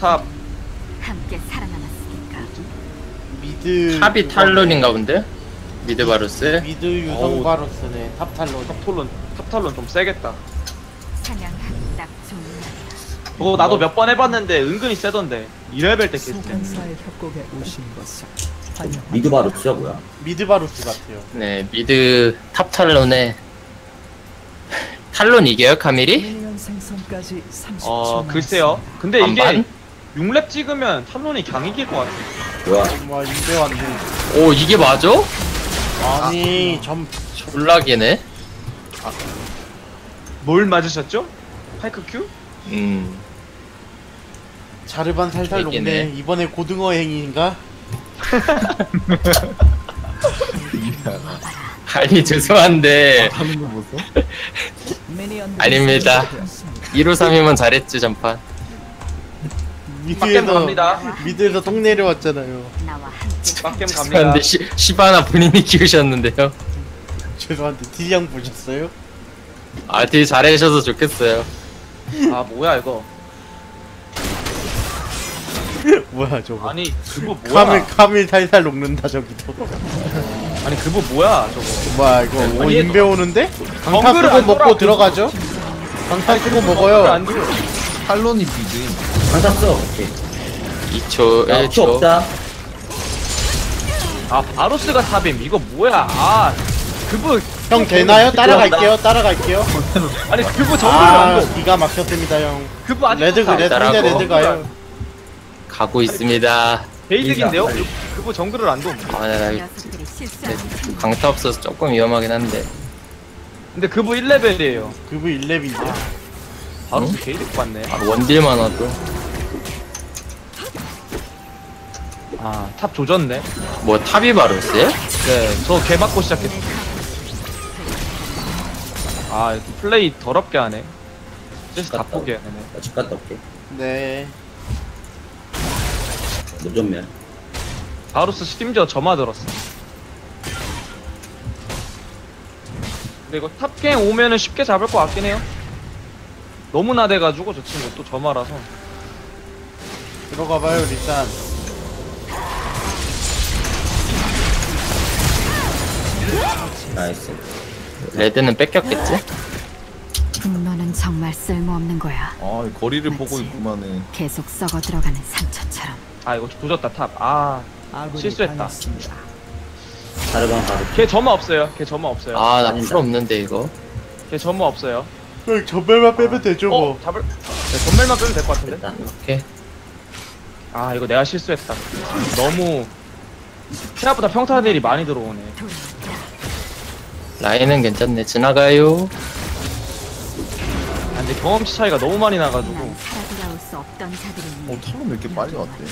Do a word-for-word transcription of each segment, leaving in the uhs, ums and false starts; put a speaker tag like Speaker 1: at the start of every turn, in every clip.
Speaker 1: 탑.
Speaker 2: 함께 살아남았으니까.
Speaker 3: 미드
Speaker 4: 탑이 탈론인가 본데? 미드 바루스?
Speaker 3: 미드 유성
Speaker 1: 어우.
Speaker 3: 바로스네. 탑 탈론.
Speaker 1: 탑탈론 탑탈론 좀 세겠다.
Speaker 2: 사냥하기 딱 좋은 날이야.
Speaker 1: 그거 나도 몇 번 해봤는데 은근히 세던데. 이 레벨 때 개쎄.
Speaker 5: 소환사의 협곡에 오신 것을 환영합니다.
Speaker 6: 미드 바루스야 뭐야?
Speaker 3: 미드 바로스 같아요.
Speaker 4: 네, 미드 탑 탈론에 탈론 이겨요, 카밀이?
Speaker 5: 미니언 생성까지 삼십 초
Speaker 1: 어 글쎄요. 근데 이게
Speaker 4: 반반?
Speaker 1: 육 렙 찍으면 탑론이 강 이길 것 같아.
Speaker 6: 뭐야?
Speaker 3: 와 인베 왔네.
Speaker 4: 오, 이게 맞아?
Speaker 3: 아니 점
Speaker 4: 졸라기네.
Speaker 1: 뭘 맞으셨죠? 파이크 큐?
Speaker 4: 음,
Speaker 3: 자르반 살살
Speaker 4: 얘기네.
Speaker 3: 녹네. 이번에 고등어 행위인가?
Speaker 4: 아니 죄송한데
Speaker 5: 미니언들이
Speaker 4: 아닙니다.
Speaker 5: 생성되었습니다.
Speaker 4: 일오삼이면 잘했지 전판.
Speaker 1: 빡겜
Speaker 3: 미드에서
Speaker 1: 갑니다.
Speaker 3: 미드에서 똥 내려왔잖아요.
Speaker 2: 나와 함께
Speaker 1: 빡겜 갑니다.
Speaker 4: 죄송한데 시, 시바나 본인이 키우셨는데요.
Speaker 3: 죄송한데 딜량 보셨어요?
Speaker 4: 아, 되게 잘해주셔서 좋겠어요.
Speaker 1: 아 뭐야 이거.
Speaker 3: 뭐야 저거?
Speaker 1: 아니 그거 뭐야?
Speaker 3: 카밀 카밀 살살 녹는다 저기도.
Speaker 1: 아니 그거 뭐야 저거.
Speaker 3: 뭐야 이거 오
Speaker 1: 아니,
Speaker 3: 인베 오는데? 강타
Speaker 1: 정글을
Speaker 3: 쓰고
Speaker 1: 안
Speaker 3: 먹고
Speaker 1: 돌아.
Speaker 3: 들어가죠? 강타 쓰고
Speaker 1: 안
Speaker 3: 먹어요.
Speaker 1: 들어.
Speaker 7: 탈론이 비드임.
Speaker 6: 강타 써. 오케이.
Speaker 4: 이 초,
Speaker 6: 야,
Speaker 4: 일
Speaker 6: 피
Speaker 4: 초.
Speaker 6: 없다.
Speaker 1: 아 바로스가 탑임 이거 뭐야? 아 그거
Speaker 3: 형 되나요? 따라갈게요. 따라갈게요.
Speaker 1: 아니 그거 정글을
Speaker 3: 아
Speaker 1: 안 둬.
Speaker 3: 기가 막혔습니다 형.
Speaker 1: 그거 아직
Speaker 3: 레드
Speaker 1: 탑.
Speaker 3: 레드
Speaker 4: 따라하고.
Speaker 3: 상대 레드 가요.
Speaker 4: 가고 있습니다.
Speaker 1: 베이직인데요? 그- 그거 정글을 안 둬.
Speaker 4: 아, 나, 나
Speaker 2: 녀석들이 실수하는 틈
Speaker 4: 강타 없어서 조금 위험하긴 한데.
Speaker 1: 근데 그거 일 레벨이에요.
Speaker 3: 그부 일 렙인데.
Speaker 1: 바로스 게이득 받네.
Speaker 4: 아, 원딜만 와도.
Speaker 1: 아 탑 조졌네.
Speaker 4: 뭐 탑이 바루스야?
Speaker 1: 네, 저 개 맞고 시작했어. 아, 이렇게 플레이 더럽게 하네. 그래서 다 포기하네.
Speaker 6: 나집 갔다 올게.
Speaker 3: 네.
Speaker 6: 노전면.
Speaker 1: 바루스 심지어 점화 들었어. 근데 이거 탑갱 오면은 쉽게 잡을 것 같긴 해요. 너무 나대가지고 저 친구 또 점화라서.
Speaker 3: 들어가봐요 일단.
Speaker 6: 나이스.
Speaker 4: 레드는 뺏겼겠지?
Speaker 2: 분노는 정말 쓸모없는 거야.
Speaker 7: 아, 거리를
Speaker 2: 맞지.
Speaker 7: 보고 있구만은.
Speaker 2: 계속 썩어 들어가는 상처처럼.
Speaker 1: 아, 이거 조졌다 탑. 아,
Speaker 5: 아군이
Speaker 1: 실수했다.
Speaker 5: 당했습니다.
Speaker 6: 자르반 바루스.
Speaker 1: 걔 점화 없어요. 걔 점화 없어요.
Speaker 4: 아, 나 풀 없는데 이거.
Speaker 1: 걔 점화 없어요.
Speaker 3: 형 전멸만 빼면 되죠
Speaker 1: 어,
Speaker 3: 뭐.
Speaker 1: 잡을. 네, 전멸만 빼면 될 것 같은데.
Speaker 6: 됐다.
Speaker 4: 오케이.
Speaker 1: 아, 이거 내가 실수했다. 너무 생각보다 평타들이 많이 들어오네.
Speaker 2: 돌아왔다.
Speaker 4: 라인은 괜찮네. 지나가요.
Speaker 1: 아, 근데 경험치 차이가 너무 많이
Speaker 2: 난
Speaker 1: 나가지고.
Speaker 2: 살아 돌아올 수 없던 자들을 위해
Speaker 7: 어, 탈론 왜 이렇게 빨리 왔대?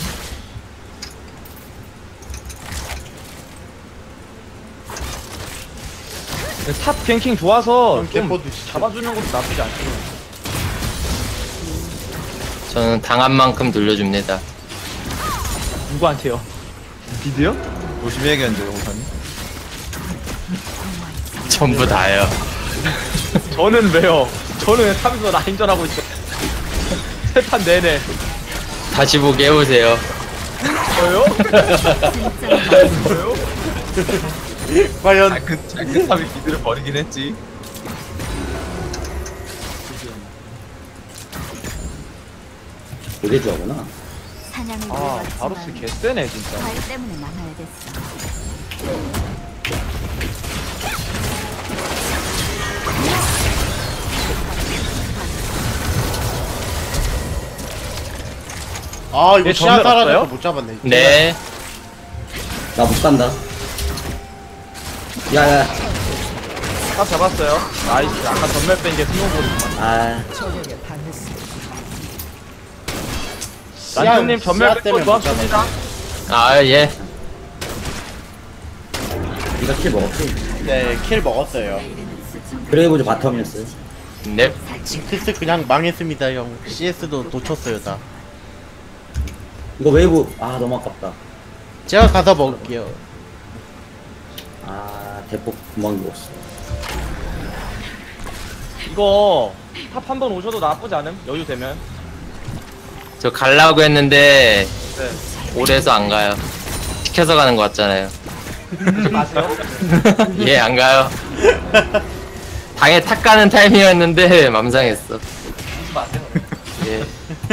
Speaker 1: 근데 탑 갱킹 좋아서
Speaker 3: 형,
Speaker 1: 좀
Speaker 3: 개포 드시죠.
Speaker 1: 잡아주는 것도 나쁘지 않죠.
Speaker 4: 저는 당한 만큼 돌려줍니다.
Speaker 1: 누구한테요? 비드요?
Speaker 7: 조심해야겠는데, 영사님.
Speaker 4: 전부 다요.
Speaker 1: 저는 왜요? 저는 왜 탑에서 라인전하고 있어. 세 판 내내.
Speaker 4: 다시 보게 해보세요.
Speaker 1: 저요?
Speaker 2: 진짜
Speaker 1: 저요?
Speaker 3: 과연
Speaker 7: 아, 그, 그 탑이 비드를 버리긴 했지.
Speaker 6: 되게 좋아하구나.
Speaker 2: 사냥을
Speaker 1: 아, 바로스
Speaker 2: 위해
Speaker 1: 개쎄네 진짜.
Speaker 2: 과일 때문에 남아야 됐어.
Speaker 3: 아 이거
Speaker 1: 얘
Speaker 3: 시야
Speaker 1: 전멸
Speaker 3: 사라져서
Speaker 1: 없어요?
Speaker 3: 못 잡았네.
Speaker 4: 네.
Speaker 6: 나 못 간다. 야야.
Speaker 1: 탑 잡았어요. 나이스. 아까 전멸 뺀 게 스노우볼이구만.
Speaker 6: 아.
Speaker 5: 적에게 당했습니다.
Speaker 1: 난투님
Speaker 3: 시야-
Speaker 1: 전멸
Speaker 3: 시야
Speaker 1: 뺀거
Speaker 3: 때문에 못
Speaker 1: 좋았습니다.
Speaker 4: 아, 예.
Speaker 6: 네가 킬 먹었지?
Speaker 3: 네, 킬 먹었어요.
Speaker 6: 그레이브즈 바텀이었어요.
Speaker 4: 넵.
Speaker 3: 징크스 그냥 망했습니다, 형. 씨에스도 놓쳤어요, 다.
Speaker 6: 이거 웨이브 아 너무 아깝다.
Speaker 3: 제가 가서 먹을게요.
Speaker 6: 아 대폭 금방 죽었어.
Speaker 1: 이거 탑 한 번 오셔도 나쁘지 않음? 여유 되면.
Speaker 4: 저 갈라고 했는데
Speaker 1: 네.
Speaker 4: 오래서 안 가요. 시켜서 가는 거 같잖아요.
Speaker 1: 하지 마세요.
Speaker 4: 예, 안 가요. 당에 탁 가는 타임이었는데 맘상했어.
Speaker 1: 하지 마세요.
Speaker 4: 예.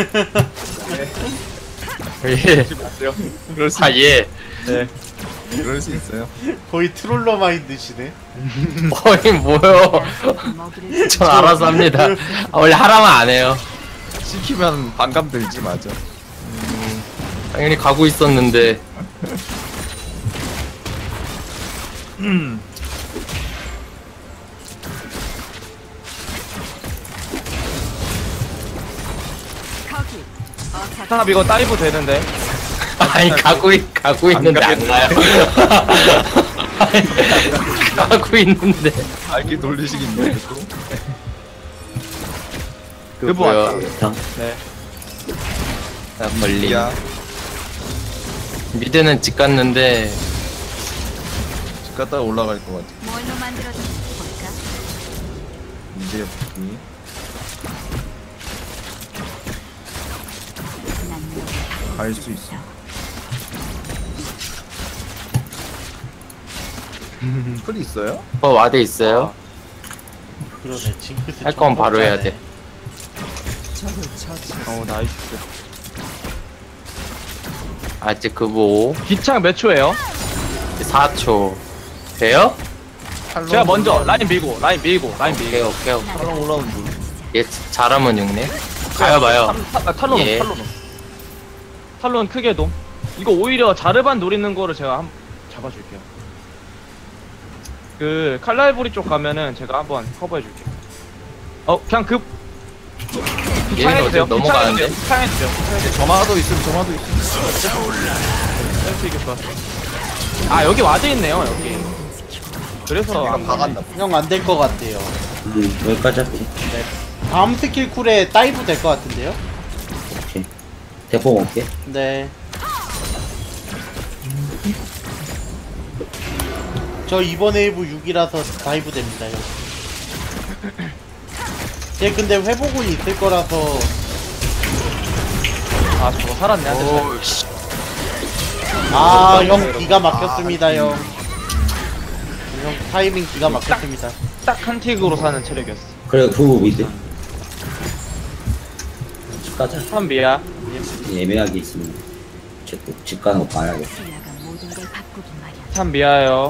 Speaker 4: 예.
Speaker 1: 하지 마세요.
Speaker 7: 그럴 수,
Speaker 4: 아, 예.
Speaker 1: 네.
Speaker 7: 그럴 수 있어요.
Speaker 3: 거의 트롤러 마인드시네.
Speaker 4: 어이, 뭐요.
Speaker 2: 먹이를
Speaker 4: 전 알아서 합니다. 아, 원래 하라면 안 해요.
Speaker 7: 시키면 반감 들지, 맞아.
Speaker 4: 당연히 가고 있었는데.
Speaker 2: 거기. 어차피
Speaker 1: 탑 이거 다이브 되는데.
Speaker 4: 아니, 가고, 있, 가고 있는데 안 가요. 아니, 가고 있는데.
Speaker 7: 알기 돌리시기 있네, 또.
Speaker 4: 그
Speaker 1: 그거
Speaker 4: 뭐야.
Speaker 1: 왔다. 네.
Speaker 4: 나 걸림.
Speaker 7: 야,
Speaker 4: 미드는 집 갔는데,
Speaker 7: 집 갔다가 올라갈 것 같아.
Speaker 2: 뭘로 만들어졌는지 볼까?
Speaker 7: 이제 여기.
Speaker 2: 난 너를
Speaker 7: 갈 수 있어. 풀이 있어요?
Speaker 4: 어, 와드 있어요?
Speaker 3: 그러네. 징크스.
Speaker 4: 할 거면 바로 해야 돼.
Speaker 5: 적을 처치.
Speaker 1: 어 나이스.
Speaker 4: 아직 그거
Speaker 1: 기창 몇 초예요?
Speaker 4: 사 초. 돼요?
Speaker 1: 제가 먼저 라인 밀고 라인 밀고 라인
Speaker 4: 오케이,
Speaker 1: 밀고.
Speaker 4: 오케이, 오케이.
Speaker 7: 사람 올라온 줄.
Speaker 4: 얘 잘하면 육네. 가요, 봐요.
Speaker 1: 탈- 탈론
Speaker 4: 예.
Speaker 1: 탈론 탈론 크게 돔. 이거 오히려 자르반 노리는 거를 제가 한 잡아줄게요. 그 칼날부리 쪽 가면은 제가 한번 커버해줄게요. 어 그냥 급
Speaker 4: 얘는 어디 넘어가는데?
Speaker 1: 창해주세요.
Speaker 7: 점화도 있으면 점화도 있으면.
Speaker 1: 셀프 이게 좋았어. 아 여기 와드 있네요 여기. 그래서
Speaker 7: 내가
Speaker 1: 안
Speaker 7: 박았나
Speaker 1: 가네.
Speaker 3: 형 안 될 것 같아요.
Speaker 6: 음, 여기까지 할게.
Speaker 3: 다음 스킬 쿨에 다이브 될 것 같은데요?
Speaker 6: 오케이. 대포 먹게.
Speaker 3: 네. 저 이번 웨이브 육이라서 다이브 됩니다, 형. 얘 근데 회복은 있을 거라서
Speaker 1: 아 저거 살았네. 한 대.
Speaker 4: 오, 씨.
Speaker 3: 아, 형 기가 막혔습니다, 형. 형 타이밍 기가 막혔습니다.
Speaker 1: 딱 한 틱으로 사는 체력이었어.
Speaker 6: 그래, 후보 미드. 집 가자.
Speaker 1: 한 미야.
Speaker 6: 애매하게 있으면. 집, 집 가는 거 봐야겠다.
Speaker 2: 신라가 모든 걸 바꾸긴 마련.
Speaker 1: 참 미아요.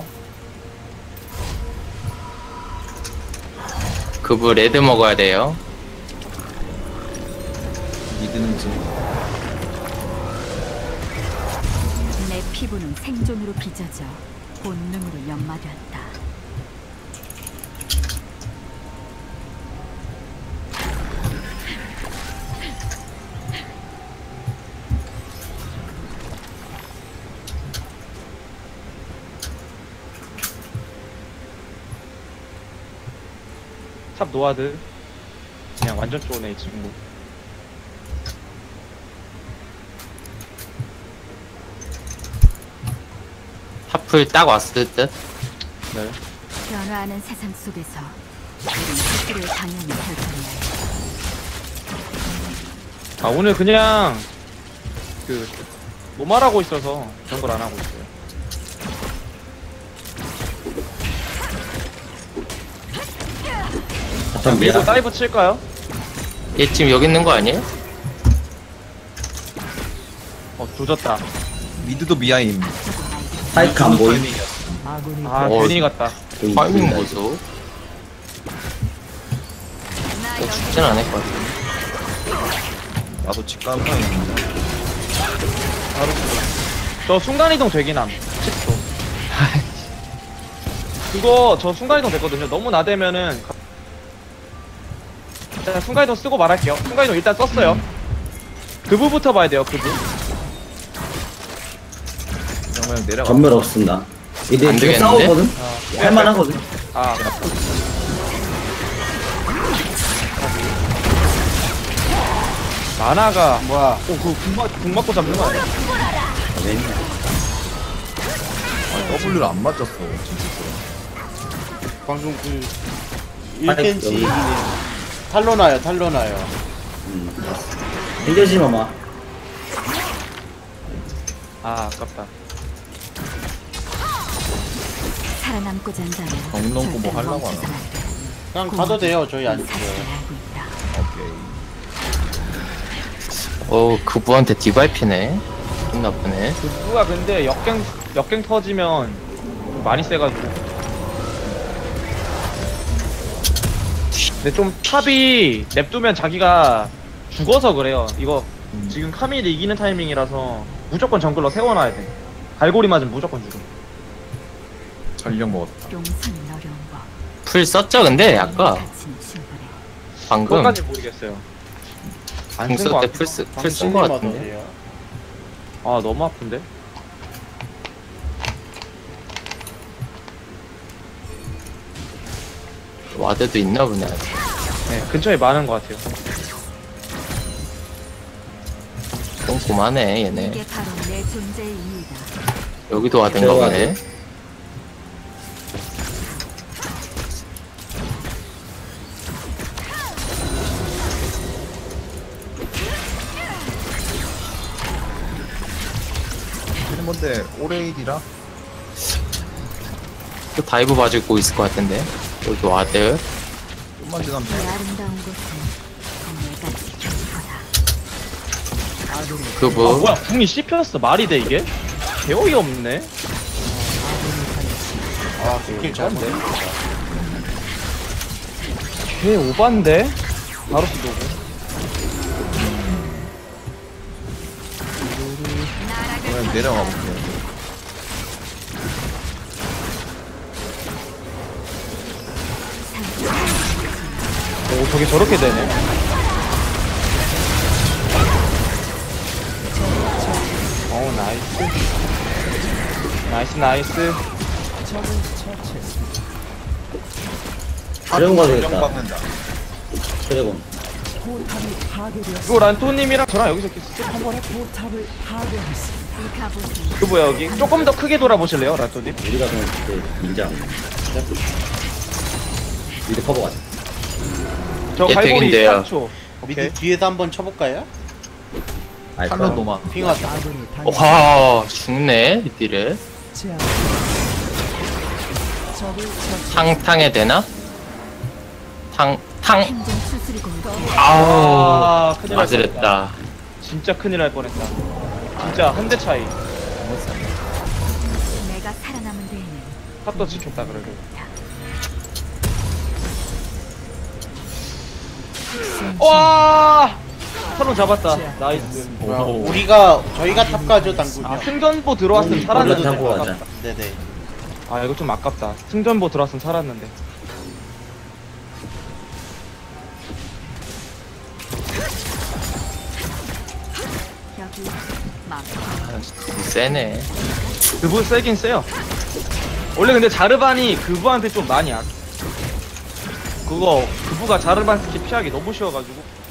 Speaker 4: 그부 레드 먹어야 돼요.
Speaker 7: 미드는 지금.
Speaker 2: 내 피부는 생존으로 빚어져 본능으로 연마되었다.
Speaker 1: 탑 노아드. 그냥 완전 쪼네 이 친구.
Speaker 4: 하풀 딱 왔을 듯.
Speaker 1: 네.
Speaker 2: 변화하는 세상 속에서 우린 스스로의 방향을 결정해야 해.
Speaker 1: 아 오늘 그냥 그 노말하고 있어서 그런 걸 안 하고 있어요.
Speaker 6: 바텀
Speaker 1: 밀고
Speaker 6: 미야.
Speaker 1: 다이브 칠까요?
Speaker 4: 얘 지금 여기 있는 거 아니에요?
Speaker 1: 어 조졌다.
Speaker 7: 미드도 미아임.
Speaker 6: 파이크 안 보임.
Speaker 5: 아군이
Speaker 1: 아
Speaker 4: 어.
Speaker 1: 괜히 갔다.
Speaker 4: 타이밍 보소. 어, 죽진 않을 것 같아.
Speaker 7: 나도 집 가는 타임인데.
Speaker 1: 바로 저 순간이동 되긴 함. 십 초. 그거 저 순간이동 됐거든요. 너무 나대면은 가- 일단 순간이동 쓰고 말할게요. 순간이동 일단 썼어요. 그부부터 봐야 돼요. 그부.
Speaker 7: 그냥 그냥 내려가.
Speaker 6: 전멸 없습니다. 이제
Speaker 4: 안
Speaker 6: 지금
Speaker 4: 되겠는데?
Speaker 6: 싸우거든? 할만하거든?
Speaker 1: 아 만화가
Speaker 3: 뭐야?
Speaker 1: 오그궁 맞, 궁 맞고 잡는 거 아니야?
Speaker 6: 왜?
Speaker 7: 아, W를 안 맞췄어. 진짜.
Speaker 3: 방금 그
Speaker 6: 아이,
Speaker 3: 일 센치
Speaker 6: 여기.
Speaker 3: 탈로나요, 탈로나요.
Speaker 6: 음. 힘들지 마마.
Speaker 1: 아 아깝다.
Speaker 2: 살아남고자 한다면
Speaker 7: 엉망고 뭐
Speaker 2: 절대로
Speaker 7: 하려고
Speaker 2: 멈춰선
Speaker 7: 하나?
Speaker 2: 안 돼.
Speaker 3: 그냥 가도 돼요. 저희 안
Speaker 2: 사실을
Speaker 3: 죽어요.
Speaker 2: 알고 있다.
Speaker 7: 오케이.
Speaker 4: 어 그부한테 디바이피네. 좀 나쁘네.
Speaker 1: 누가 근데 역갱 역갱 터지면 좀 많이 세가지고. 근데 좀 탑이 냅두면 자기가 죽어서 그래요. 이거
Speaker 7: 음.
Speaker 1: 지금 카밀이 이기는 타이밍이라서 무조건 정글러 세워놔야 돼. 갈고리 맞으면 무조건 죽음.
Speaker 7: 전력 먹었다.
Speaker 2: 용서는 어려운 법.
Speaker 4: 풀 썼죠 근데 아까
Speaker 2: 가치는 충분해.
Speaker 4: 방금
Speaker 1: 그것까지 모르겠어요. 안
Speaker 4: 궁
Speaker 1: 쓴 거
Speaker 4: 쓸 때
Speaker 1: 같아.
Speaker 4: 풀 쓴 거 같은데.
Speaker 3: 어디에요?
Speaker 1: 아 너무 아픈데?
Speaker 4: 와드도 있나 보네. 아직.
Speaker 1: 네 근처에 많은 것 같아요.
Speaker 4: 꼼꼼하네 얘네.
Speaker 2: 이게 바로 내 존재의 이유다.
Speaker 4: 여기도 와든가 보네.
Speaker 7: 얘는 뭔데 오레이디라?
Speaker 4: 또 다이브 봐주고 있을 것 같은데. 여기 와드.
Speaker 7: 좀만 지나면
Speaker 2: 이 아름다운 곳은 내가 지킬 거다.
Speaker 1: 아
Speaker 4: 그부.
Speaker 1: 뭐야 궁이 씹혔어. 말이 돼 이게? 개어이 없네.
Speaker 3: 아, 스킬 잘못.
Speaker 1: 개 오반데? 바로 쓰고.
Speaker 7: 그냥 내려가 볼게요.
Speaker 1: 오 저게 저렇게 되네. 오 나이스. 나이스 나이스.
Speaker 6: 드래곤 가야
Speaker 7: 전력
Speaker 6: 되겠다.
Speaker 7: 받는다.
Speaker 6: 드래곤.
Speaker 5: 포탑이 파괴되었습니다.
Speaker 1: 이거 란토님이랑 저랑 여기서 이렇게 쓱 한번 해.
Speaker 5: 포탑을 파괴했습니다.
Speaker 2: 이 갑옷은
Speaker 1: 그 뭐야 여기? 조금 더 크게 돌아보실래요 란토님?
Speaker 6: 우리가 그냥 그때 밀자. 미드 커버 가자.
Speaker 1: 저
Speaker 4: 예,
Speaker 1: 갈고리
Speaker 4: 되긴데요.
Speaker 1: 삼 초. 오케이.
Speaker 3: 미드 뒤에서 한번 쳐볼까요?
Speaker 6: 알파.
Speaker 7: 칼로 노마.
Speaker 3: 핑하다.
Speaker 5: 아군이
Speaker 4: 와 죽네 이 딜을.
Speaker 5: 당했지 적을 처치.
Speaker 4: 탕탕에 되나? 탕 탕.
Speaker 2: 행정 수술이고
Speaker 4: 아우
Speaker 1: 아 큰일 날 뻔했다.
Speaker 4: 맞으랬다.
Speaker 1: 진짜 큰일 날 뻔했다. 진짜 한 대 차이.
Speaker 2: 내가 살아남은 데에는
Speaker 1: 탑도 지켰다 그래도. 와! 탈론 잡았다. 나이스.
Speaker 3: 뭐야, 우리가 저희가 탑 가죠 당구요.
Speaker 1: 아 승전보 들어왔으면 살았는데.
Speaker 6: 올라 타고 가자.
Speaker 3: 네네.
Speaker 1: 아 이거 좀 아깝다. 승전보 들어왔으면 살았는데.
Speaker 2: 여기 막
Speaker 4: 세네.
Speaker 1: 그분 세긴 세요. 원래 근데 자르반이 그부한테 좀 많이 약. 그거 그부가 자르반 스킬 피하기 너무 쉬워가지고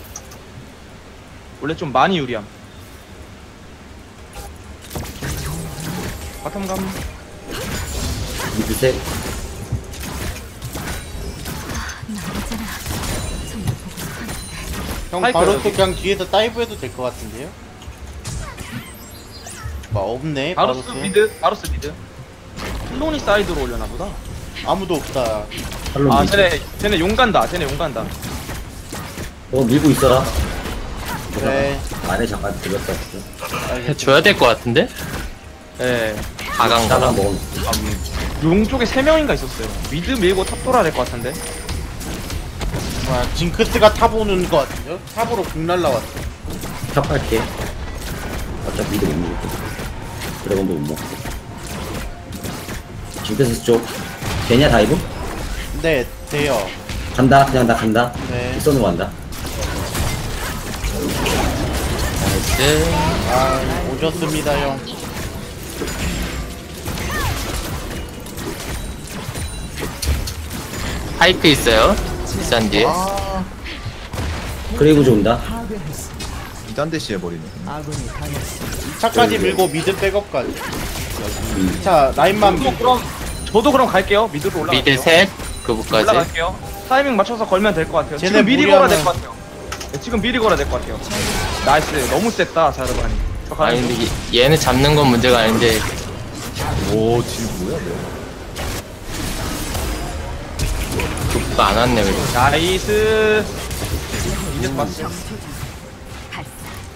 Speaker 1: 원래 좀 많이 유리함. 바텀 감.
Speaker 6: 미드 셋.
Speaker 2: 나오잖아. 정말 보고 싶었는데.
Speaker 3: 형
Speaker 1: 파이크
Speaker 3: 바로
Speaker 1: 여기.
Speaker 3: 또 그냥 뒤에서 다이브해도 될 것 같은데요? 뭐 없네.
Speaker 1: 바로스
Speaker 3: 바로스.
Speaker 1: 미드. 바로스 미드. 클론이 사이드로 올려나 보다.
Speaker 3: 아무도 없다.
Speaker 6: 탈론
Speaker 1: 아
Speaker 6: 미드.
Speaker 1: 쟤네 쟤네 용 간다. 쟤네 용 간다.
Speaker 6: 어 밀고 있어라.
Speaker 3: 그래.
Speaker 6: 안에 잠깐 들렸다. 진짜.
Speaker 4: 해줘야 될 것 같은데?
Speaker 1: 예.
Speaker 4: 가강
Speaker 6: 따라
Speaker 4: 가강.
Speaker 6: 먹은.
Speaker 1: 용 쪽에 세 명인가 있었어요. 미드 밀고 탑 돌아야 될 것 같은데.
Speaker 3: 뭐야, 징크스가 탑 오는 것 같은데요? 탑으로 공 날라왔어.
Speaker 6: 탑 갈게. 어차피 미드 못 먹을 거야. 드래곤도 못 먹고. 징크스 쪽. 되냐 다이브?
Speaker 3: 네, 돼요.
Speaker 6: 간다. 그냥 나 간다.
Speaker 3: 네.
Speaker 6: 뒷선으로 간다.
Speaker 4: 나이스.
Speaker 3: 아, 오셨습니다, 형.
Speaker 4: 파이크 있어요. 비싼 뒤에.
Speaker 3: 아,
Speaker 6: 그레이브즈 온다.
Speaker 5: 파괴했습니다.
Speaker 7: 이단 대시 해버리네.
Speaker 5: 아군이 당했습니다.
Speaker 3: 이 차까지 밀고 미드 백업까지. 이 차, 라인만
Speaker 1: 저도
Speaker 3: 밀고.
Speaker 1: 그럼 저도 그럼 갈게요. 미드로 올라갈게요.
Speaker 4: 미드 셋. 그부까지.
Speaker 1: 올라갈게요. 타이밍 맞춰서 걸면 될 것 같아요.
Speaker 3: 쟤네
Speaker 1: 지금 미리
Speaker 3: 무리하면-
Speaker 1: 걸어야 될 것 같아요. 네, 지금 미리 걸어야 될 것 같아요. 나이스. 너무 셌다 자르반이. 저 가는
Speaker 4: 아니
Speaker 1: 중.
Speaker 4: 근데 얘- 얘네 잡는 건 문제가 아닌데
Speaker 7: 오, 딜 뭐야, 너?
Speaker 4: 족가 안 왔네 그리고.
Speaker 1: 나이스. 이제 봤어.
Speaker 2: 정초전 발사.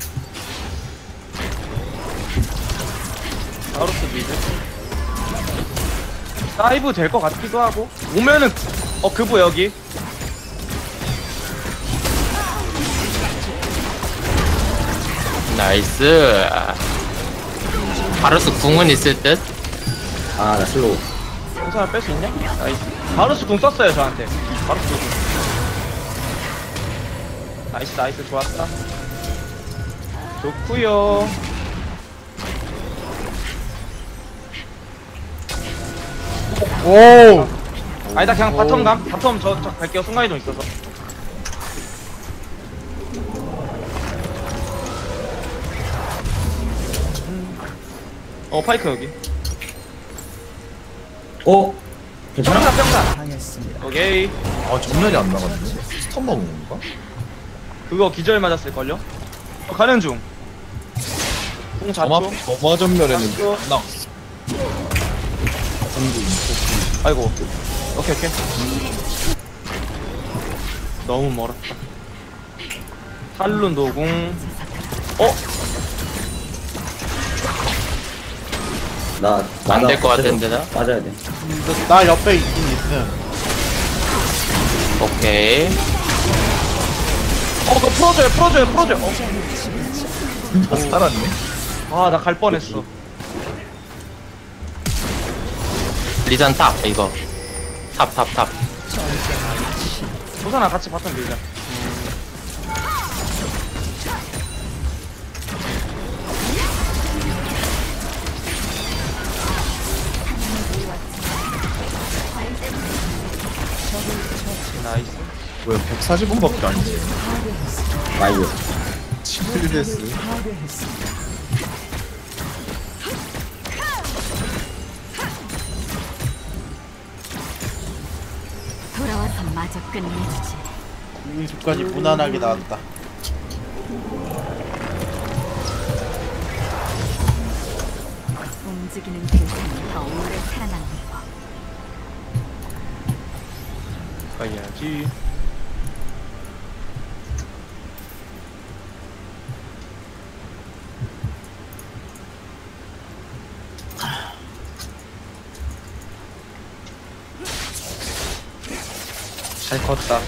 Speaker 1: 바로스 미드. 다이브 될 것 같기도 하고. 오면은 어 그부 여기.
Speaker 4: 나이스. 바로스 궁은 있을 듯.
Speaker 6: 아, 나 슬로우.
Speaker 1: 괜찮아 뺄 수 있냐? 나이스. 바로스 궁 썼어요 저한테. 바로스 궁. 나이스 나이스 좋았다. 좋구요.
Speaker 3: 오!
Speaker 1: 아니다 그냥 바텀 감. 바텀 저, 저 갈게요. 순간이동 있어서. 어 파이크 여기.
Speaker 6: 어? 괜찮아?
Speaker 1: 평타 평타.
Speaker 5: 당했습니다.
Speaker 1: 오케이.
Speaker 7: 아, 전멸이 안 나갔네. 스턴 먹은 건가?
Speaker 1: 그거 기절 맞았을걸요? 어, 가는 중. 궁
Speaker 7: 점화,
Speaker 1: 자초.
Speaker 7: 점화 전멸에는
Speaker 1: 자초.
Speaker 7: 나.
Speaker 1: 아이고. 오케이 오케이. 너무 멀었다. 탈룬 노궁. 어?
Speaker 6: 나,
Speaker 4: 안
Speaker 6: 나
Speaker 4: 될 것
Speaker 6: 빠져-
Speaker 4: 같은데, 나?
Speaker 6: 빠져야 돼.
Speaker 3: 음, 나 옆에 있긴 있음.
Speaker 4: 오케이.
Speaker 1: 어 그거 풀어줘요 풀어줘요 풀어줘요. 어.
Speaker 7: 아, 살았네.
Speaker 1: 아 나 갈 뻔했어.
Speaker 4: 리산 탑 이거. 탑 탑 탑.
Speaker 1: 조선아 같이 바텀 밀자. 나이스.
Speaker 7: 왜 백사십 원밖에 안 돼?
Speaker 6: 라이브.
Speaker 7: 칠 데스.
Speaker 5: 파괴했습니다.
Speaker 2: 돌아와서 마저 끝내주지.
Speaker 3: 여기까지 무난하게 나왔다.
Speaker 2: 움직이는 대상이 더 오래 살아남는 법.
Speaker 1: 가야지. 잘 컸다.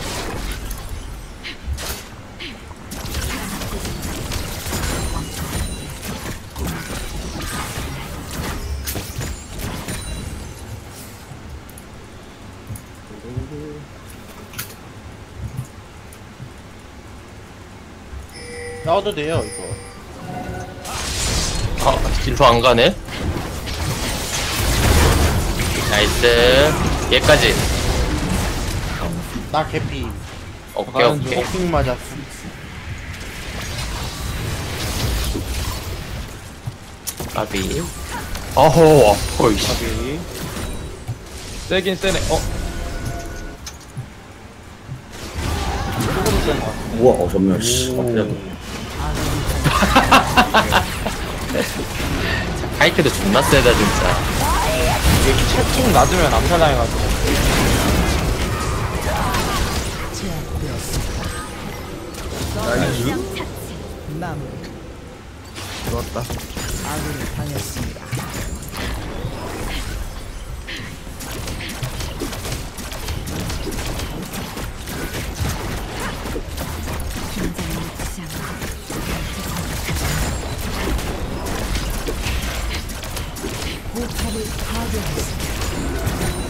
Speaker 3: 나와도 돼요 이거.
Speaker 4: 어, 진로 안 가네? 나이스. 얘까지.
Speaker 3: 나 개피.
Speaker 4: 오케이, 오케이.
Speaker 3: 폭 맞았어.
Speaker 4: 까비. 어허, 어이씨.
Speaker 1: 가비. 세긴 세네. 어? 조금 센것 같아.
Speaker 6: 우와, 어, 전멸, 씨. 어, 그래도.
Speaker 4: 하이크도 존나 세다, 진짜.
Speaker 1: 이게 채팅 낮으면 암살당해가지고.
Speaker 5: 제압되었습니다.
Speaker 7: 나이스.
Speaker 5: 마무리.
Speaker 7: 좋았다.
Speaker 5: 아군이 당했습니다.
Speaker 2: 긴장을 놓지 않고
Speaker 5: 포탑을 파괴했습니다.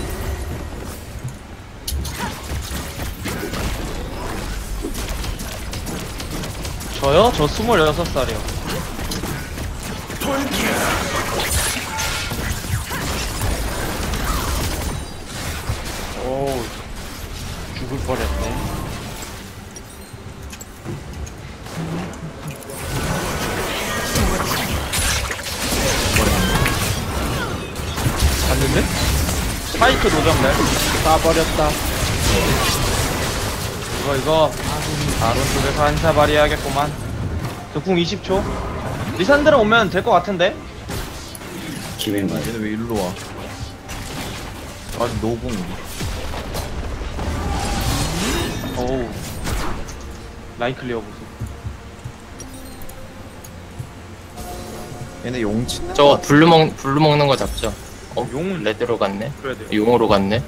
Speaker 1: 저요? 저 스물여섯 살이요.
Speaker 3: 오, 죽을 뻔했네.
Speaker 1: 봤는데? 스파이크 노정날.
Speaker 3: 쏴버렸다.
Speaker 1: 이거, 이거. 바로 쪽에서 한차 발휘해야겠구만. 저 궁 이십 초. 리산드라 오면 될 것 같은데?
Speaker 6: 기회인가요?
Speaker 7: 얘네 왜 일로 와? 아직 노공.
Speaker 1: 어우. 라인 클리어 보소.
Speaker 7: 얘네 용 치는
Speaker 4: 저거
Speaker 7: 거 같아.
Speaker 4: 블루 먹 블루 먹는 거 잡죠. 어?
Speaker 1: 용은
Speaker 4: 레드로 갔네.
Speaker 1: 그래야 돼요.
Speaker 4: 용으로 갔네.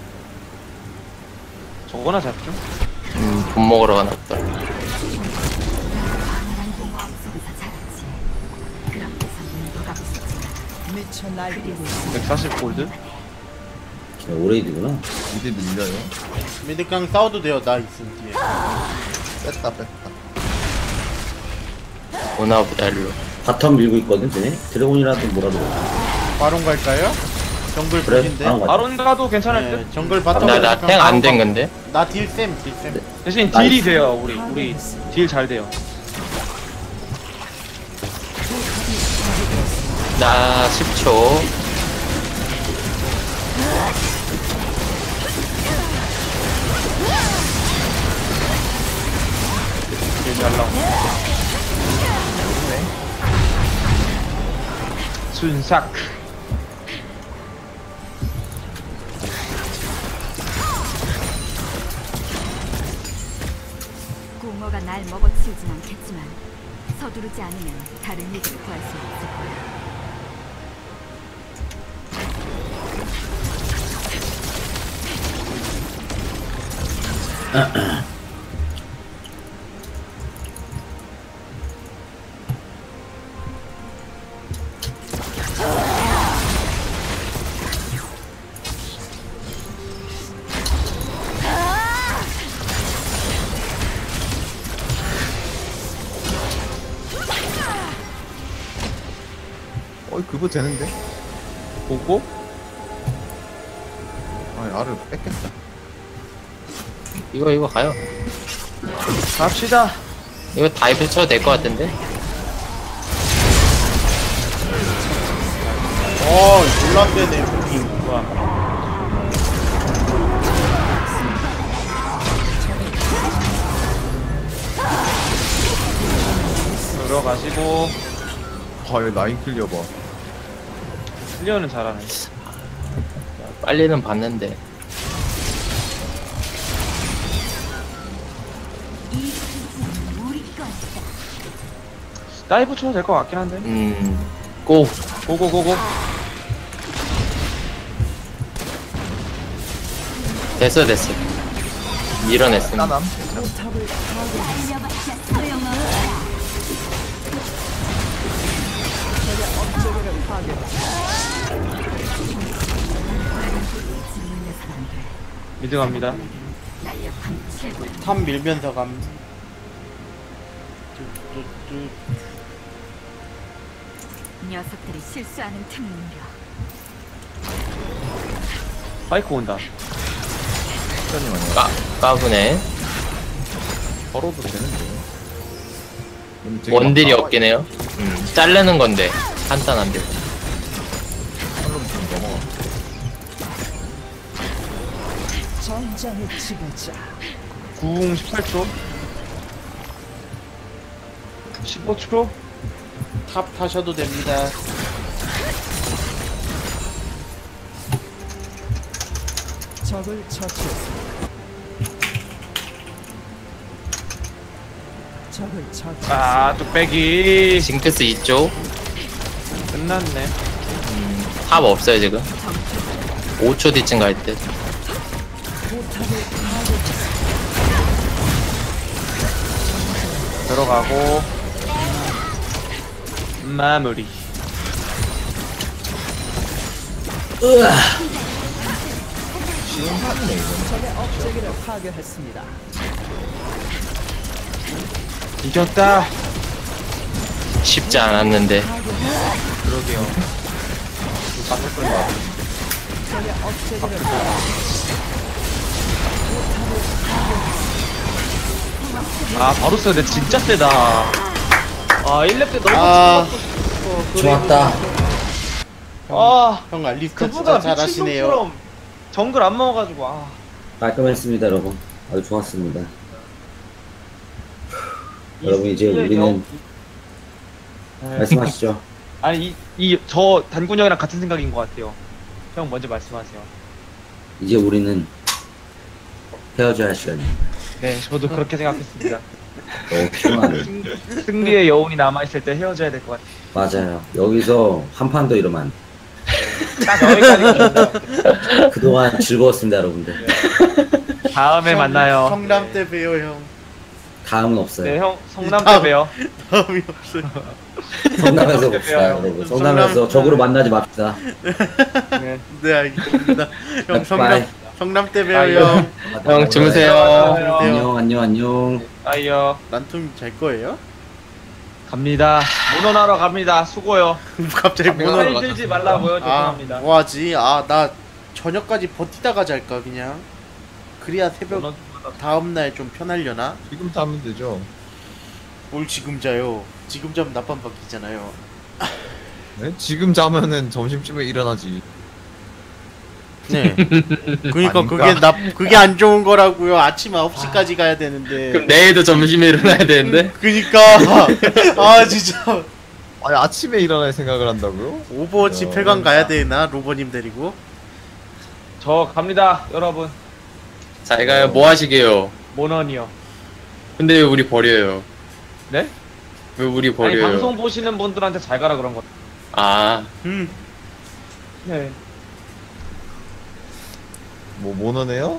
Speaker 1: 저거나 잡죠?
Speaker 4: 음, 돈 먹으러 가나 보다.
Speaker 2: 강한 공허 속에서 자랐지. 그렇게서 눈도가 부서지나.
Speaker 5: 미쳐 날뛰고 있습니다.
Speaker 1: 백사십 골드?
Speaker 6: 걔 오레이드구나.
Speaker 7: 미드 밀려요.
Speaker 3: 미드강 싸워도 돼요. 나 있음 뒤에.
Speaker 7: 뺐다 뺐다.
Speaker 4: 오나 보다 일로.
Speaker 6: 바텀 밀고 있거든, 쟤네? 드래곤이라도 뭐라도.
Speaker 3: 바론 갈까요? 정글
Speaker 6: 그래,
Speaker 3: 풀인데.
Speaker 6: 바로 가자.
Speaker 1: 바론 가도 괜찮을 듯?
Speaker 3: 네, 정글 바텀.
Speaker 4: 나 나 탱 안 된 건데.
Speaker 3: 나 딜쌤 딜쌤.
Speaker 1: 대신
Speaker 6: 나이스.
Speaker 1: 딜이 돼요, 우리. 우리 딜 잘 돼요.
Speaker 4: 나 십 초.
Speaker 1: 딜잘 나오. 순삭.
Speaker 2: 공허가 날 먹어치우진 않겠지만 서두르지 않으면 다른 일을 구할 수 없을 거야.
Speaker 7: 어이 그거 되는데?
Speaker 1: 보고
Speaker 7: 아니 알을 뺐겠다.
Speaker 4: 이거 이거 가요.
Speaker 1: 갑시다.
Speaker 4: 이거 다이브 쳐도 될 것 같은데.
Speaker 3: 어 놀랍네 부킹.
Speaker 1: 좋아. 들어가시고
Speaker 7: 아얘 라인 클리어 봐.
Speaker 1: 클리어는 잘하네.
Speaker 4: 빨리는 봤는데.
Speaker 1: 다이브 쳐도 될 것 같긴 한데.
Speaker 4: 음, 고.
Speaker 1: 고고고고.
Speaker 4: 됐어 됐어. 밀어냈습니다.
Speaker 7: 까남.
Speaker 5: 포탑을 업체계를 파괴했습니다.
Speaker 2: 물려선 안 돼.
Speaker 1: 미드 갑니다.
Speaker 2: 날렵한 최고.
Speaker 3: 탑 밀면서 감. 뚜뚜뚜.
Speaker 2: 녀석들이 실수하는 틈을 노려.
Speaker 1: 파이크 온다.
Speaker 7: 시간이 많이
Speaker 4: 까 까부네.
Speaker 7: 걸어도 되는데. 근데 되게
Speaker 4: 원딜이
Speaker 7: 막
Speaker 4: 없긴 해요. 음, 자르는 건데 간단한데.
Speaker 7: 팔로 좀 넘어가.
Speaker 5: 전장의 지배자.
Speaker 1: 궁 십팔 초. 십오 초.
Speaker 3: 탑 타셔도 됩니다.
Speaker 5: 적을 처치했습니다. 적을 처치.
Speaker 1: 아, 뚝배기.
Speaker 4: 징크스 이쪽.
Speaker 1: 끝났네.
Speaker 4: 음, 탑 없어요 지금. 오 초 뒤쯤 갈 듯.
Speaker 5: 포탑을 파괴했습니다.
Speaker 1: 들어가고. 마무리.
Speaker 7: 시원하네 이거.
Speaker 5: 적의 업체계를 파괴했습니다.
Speaker 1: 이겼다.
Speaker 4: 쉽지 않았는데.
Speaker 1: 그러게요. 깜짝 놀랐다.
Speaker 5: 적의 업체계를 파괴했습니다.
Speaker 1: 아, 바루스 근데 진짜 세다. 아, 일 렙 때 너무
Speaker 3: 아.
Speaker 1: 죽었어.
Speaker 6: 좋았다.
Speaker 1: 아,
Speaker 3: 형 알리스타
Speaker 1: 그보다
Speaker 3: 진짜 잘하시네요.
Speaker 1: 미친놈처럼 정글 안 먹어가지고, 아.
Speaker 6: 깔끔했습니다, 여러분. 아주 좋았습니다. 여러분, 이제
Speaker 1: 이
Speaker 6: 우리는 말씀하시죠.
Speaker 1: 아니 이 이 저 단군 형이랑 같은 생각인 것 같아요. 형 먼저 말씀하세요.
Speaker 6: 이제 우리는 헤어져야 할 시간입니다.
Speaker 1: 네, 저도 그렇게 생각했습니다.
Speaker 6: 너무 피곤하네.
Speaker 1: 승, 승리의 여운이 남아 있을 때 헤어져야 될 것 같아요.
Speaker 6: 맞아요. 여기서 한 판 더 이러면 안 돼.
Speaker 1: 딱 여기까지.
Speaker 6: 그동안 즐거웠습니다, 여러분들.
Speaker 1: 다음에 만나요.
Speaker 3: 성남 때 봬요 형.
Speaker 6: 다음은 없어요.
Speaker 1: 네, 형 성남 때
Speaker 3: 다음.
Speaker 1: 봬요.
Speaker 3: 다음이 없어요.
Speaker 6: 성남에서 봅시다, 여러분. 성남에서
Speaker 3: 성남.
Speaker 6: 적으로 만나지 맙시다.
Speaker 1: 네.
Speaker 3: 네 알겠습니다. 형 성남
Speaker 6: 바이.
Speaker 3: 성남 때 봬요
Speaker 1: 아이고.
Speaker 3: 형.
Speaker 4: 형 주무세요.
Speaker 6: 안녕, 안녕, 안녕.
Speaker 1: 아이요.
Speaker 3: 난툼 잘 거예요?
Speaker 1: 갑니다. 모논하러 갑니다. 수고요.
Speaker 3: 갑자기
Speaker 1: 살
Speaker 3: 문어.
Speaker 1: 들지 말라고요.
Speaker 3: 아
Speaker 1: 죄송합니다.
Speaker 3: 뭐하지? 아 나 저녁까지 버티다가 잘까 그냥. 그래야 새벽
Speaker 1: 모논-
Speaker 3: 다음 날 좀 편하려나?
Speaker 7: 지금 자면 되죠.
Speaker 3: 뭘 지금 자요? 지금 자면 낮밤 바뀌잖아요.
Speaker 7: 네? 지금 자면은 점심쯤에 일어나지.
Speaker 3: 네. 그러니까
Speaker 7: 아닌가?
Speaker 3: 그게 나 그게 안 좋은 거라고요. 아침 아홉 시까지 가야 되는데.
Speaker 4: 그럼 내일도 점심에 일어나야 되는데?
Speaker 3: 그니까 아 진짜
Speaker 7: 아니 아침에 일어날 생각을 한다고요?
Speaker 3: 오버워치
Speaker 7: 어,
Speaker 3: 폐관 가야 되나 로버님 데리고?
Speaker 1: 저 갑니다, 여러분.
Speaker 4: 잘 가요. 뭐 하시게요?
Speaker 1: 모논이요.
Speaker 4: 근데 왜 우리 버려요?
Speaker 1: 네?
Speaker 4: 왜 우리
Speaker 1: 아니
Speaker 4: 버려요?
Speaker 1: 방송 보시는 분들한테 잘 가라 그런 거.
Speaker 4: 아,
Speaker 3: 음
Speaker 1: 네.
Speaker 7: 뭐 모노네요?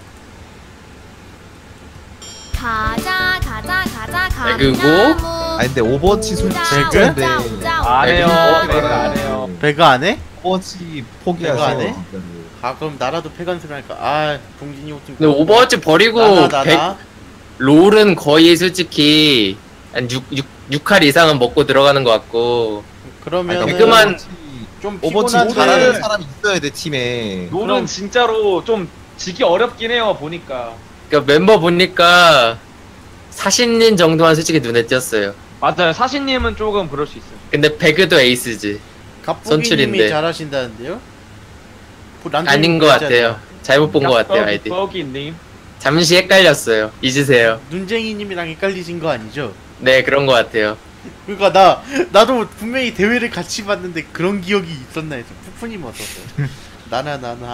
Speaker 8: 가자 가자 가자 가자
Speaker 4: 배그고?
Speaker 7: 아니 근데 오버워치
Speaker 3: 배그?
Speaker 7: 솔직한데
Speaker 1: 안 해요.
Speaker 4: 네,
Speaker 1: 배그 안 해요.
Speaker 3: 배가 안 해?
Speaker 7: 오버워치
Speaker 3: 배그 안 해?
Speaker 7: 포기하세요. 진짜로.
Speaker 3: 아 그럼 나라도 폐관수를 할까? 아 동진이 옷 좀.
Speaker 4: 근데 오버워치 버리고
Speaker 3: 나나 나나.
Speaker 4: 백, 롤은 거의 솔직히 한 육, 육, 육 할 이상은 먹고 들어가는 것 같고
Speaker 3: 그러면
Speaker 7: 아니,
Speaker 4: 배그만-
Speaker 7: 오버워치-
Speaker 3: 좀
Speaker 7: 오버워치
Speaker 3: 피곤한데
Speaker 7: 잘하는 사람이 있어야 돼 팀에.
Speaker 1: 롤은
Speaker 3: 그럼-
Speaker 1: 진짜로 좀 지기 어렵긴 해요. 보니까.
Speaker 4: 그러니까 멤버 보니까 사신님 정도만 솔직히 눈에 띄었어요.
Speaker 1: 맞아요. 사신님은 조금 그럴 수 있어요.
Speaker 4: 근데 배그도 에이스지.
Speaker 3: 갑부기님이
Speaker 4: 선출인데.
Speaker 3: 잘하신다는데요? 뭐 란둥이
Speaker 4: 아닌 것
Speaker 3: 있잖아요.
Speaker 4: 같아요. 잘못 본 것 같아요 아이디.
Speaker 1: 버기님.
Speaker 4: 잠시 헷갈렸어요. 잊으세요.
Speaker 3: 눈쟁이님이랑 헷갈리신 거 아니죠?
Speaker 4: 네 그런 것 같아요.
Speaker 3: 그러니까 나 나도 분명히 대회를 같이 봤는데 그런 기억이 있었나 해서 푸푸님 어떠세요? 나나 나나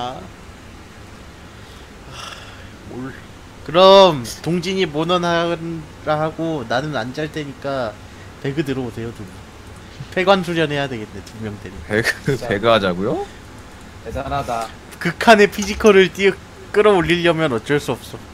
Speaker 3: 하, 뭘 그럼 동진이 모넌하라 하고 나는 안 잘 테니까 배그 들어오세요 두 분. 폐관 수련해야 되겠네 두 명 데리고.
Speaker 7: 배그 배그 하자고요?
Speaker 1: 대단하다.
Speaker 3: 극한의 피지컬을 띄어 끌어올리려면 어쩔 수 없어.